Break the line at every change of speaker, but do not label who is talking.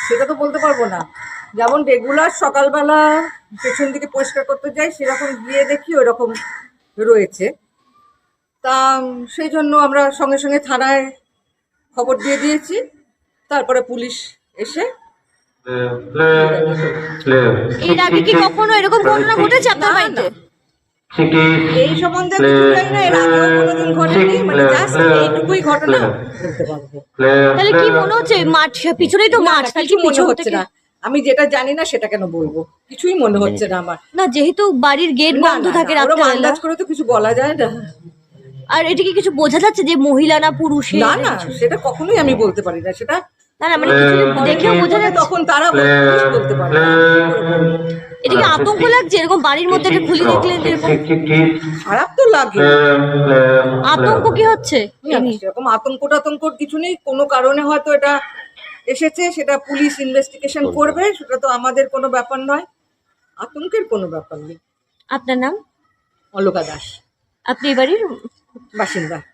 সেটা তো বলতে পারবো না। যেমন রেগুলার সকালবেলা পেছন দিকে পরিষ্কার করতে যাই, সেরকম গিয়ে দেখি ওরকম রয়েছে। তা সেই জন্য আমরা সঙ্গে সঙ্গে থানায় খবর দিয়ে দিয়েছি। তারপরে পুলিশ এসে
এর আগে কি কখনো এরকম ঘটনা ঘটেছে আপনার
না,
বাড়িতে?
না, এই সম্বন্ধে কিছু জানি না, এর আগেও কোনোদিন ঘটেনি, মানে জাস্ট এইটুকুই ঘটনা বলতে পারবো।
তাহলে কি মনে হচ্ছে মাঠ পিছনেই তো
না,
মাঠ,
না,
তাহলে
কিছু
কি
মনে
পিছন
হচ্ছে
থেকে?
না। আমি যেটা জানি না সেটা কেন বলবো, কিছুই মনে হচ্ছে না আমার।
না, যেহেতু বাড়ির গেট
না,
বন্ধ
না,
থাকে
না, ওরম
রাত্রেবেলা,
আন্দাজ করে তো কিছু বলা যায় না।
আর এটা কি কিছু বোঝা যাচ্ছে যে মহিলা না পুরুষের?
না, না, সেটা কখনোই আমি বলতে পারি না। সেটা
না না, মানে কিছু দেখেও বোঝা যাচ্ছে।
তখন তারা পুলিশ বলতে পারে।
এটা কি আতঙ্ক লাগছে এরকম বাড়ির মধ্যে একটা খুলি দেখলেন এরকম?
খারাপ তো লাগে।
আতঙ্ক কি হচ্ছে?
না, না, সেরকম আতঙ্ক টাতঙ্কর কিছু নেই। কোনো কারণে হয়তো এটা এসেছে, সেটা পুলিশ ইনভেস্টিগেশন করবে, সেটা তো আমাদের কোনো ব্যাপার নয়। আতঙ্কের কোনো ব্যাপার নেই।
আপনার নাম?
অলকা দাস,
আপনি এই বাড়ির
বাসিন্দা।